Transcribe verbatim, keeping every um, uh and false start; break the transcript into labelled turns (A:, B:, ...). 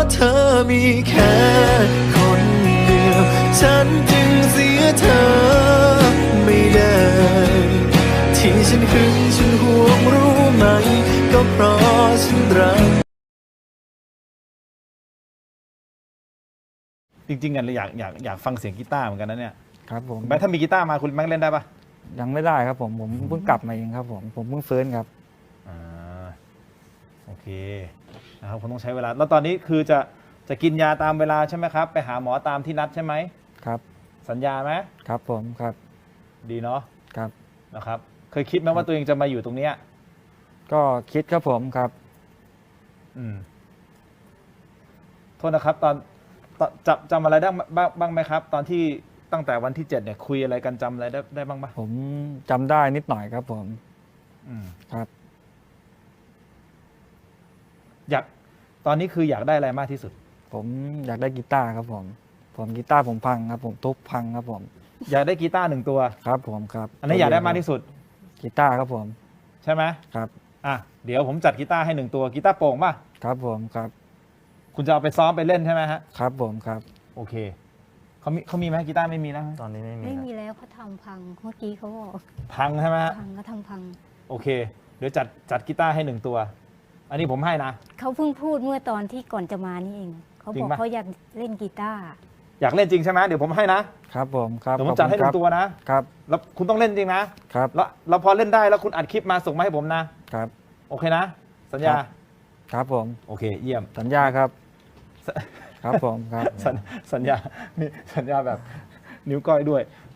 A: เธอมีแค่คนเดียวฉันจึงเสียเธอไม่ได้ที่ฉันหึงฉันห่วงรู้ไหมก็เพราะฉันรัก
B: จริงๆกันเลยอยากอยากอยากฟังเสียงกีตาร์เหมือนกันนะเนี่ย
C: ครับผม
B: แม้ถ้ามีกีตาร์มาคุณแม็กเล่นได้ปะ
C: ยังไม่ได้ครับผมผมเพิ่งกลับมาเองครับผมผมเพิ่งฟื้นครับ
B: อ่าโอเคนะครับผมต้องใช้เวลาแล้วตอนนี้คือจะจะกินยาตามเวลาใช่ไหมครับไปหาหมอตามที่นัดใช่ไหม
C: ครับ
B: สัญญาไหม
C: ครับผมครับ
B: ดีเนาะ
C: ครับ
B: นะครับเคยคิดไหมว่าตัวเองจะมาอยู่ตรงเนี้ย
C: ก็คิดครับผมครับ
B: อืมโทษนะครับตอนตอนจำจำอะไรได้บ้างบ้างไหมครับ ตอนที่ตั้งแต่วันที่เจ็ดเนี่ยคุยอะไรกันจำอะไรได้ได้บ้างปะ
C: ผมจำได้นิดหน่อยครับผม
B: อืม
C: ครับ
B: อยากตอนนี้คืออยากได้อะไรมากที่สุด
C: ผมอยากได้กีตาร์ครับผมผมกีตาร์ผมพังครับผมทุบพังครับผม
B: อยากได้กีตาร์หนึ่งตัว
C: ครับผมครับ
B: อันนี้อยากได้มากที่สุด
C: กีตาร์ครับผม
B: ใช่ไหม
C: ครับ
B: อ่ะเดี๋ยวผมจัดกีตาร์ให้หนึ่งตัวกีตาร์โปร่งป่ะ
C: ครับผมครับ
B: คุณจะเอาไปซ้อมไปเล่นใช่ไหมฮะ
C: ครับผมครับ
B: โอเคเขามีเขามีไหมกีตาร์ไม่มีนะ
C: ตอนนี้ไม่มี
D: ไม่มีแล้วเขาทำพังเมื่อกี้เขาบอก
B: พังใช่ไหมฮะ
D: พังก็ทำพัง
B: โอเคเดี๋ยวจัดจัดกีตาร์ให้หนึ่งตัวอันนี้ผมให้นะ
D: เขาเพิ่งพูดเมื่อตอนที่ก่อนจะมานี่เองเขาบอกเขาอยากเล่นกีตาร์
B: อยากเล่นจริงใช่ไหมเดี๋ยวผมให้นะครับ
C: ผมครับ
B: เดี๋ยวผมจัดให้หนึ่งตัวนะครับแล้วคุณต้องเล่นจริงนะครับแล้วเราพอเล่นได้แล้วคุณอัดคลิปมาส่งมาให้ผมนะครับโอเคนะสัญญา
C: ครับผม
B: โอเคเยี่ยม
C: สัญญาครับครับผมครับ
B: สัญญานี่สัญญาแบบนิ้วก้อยด้วย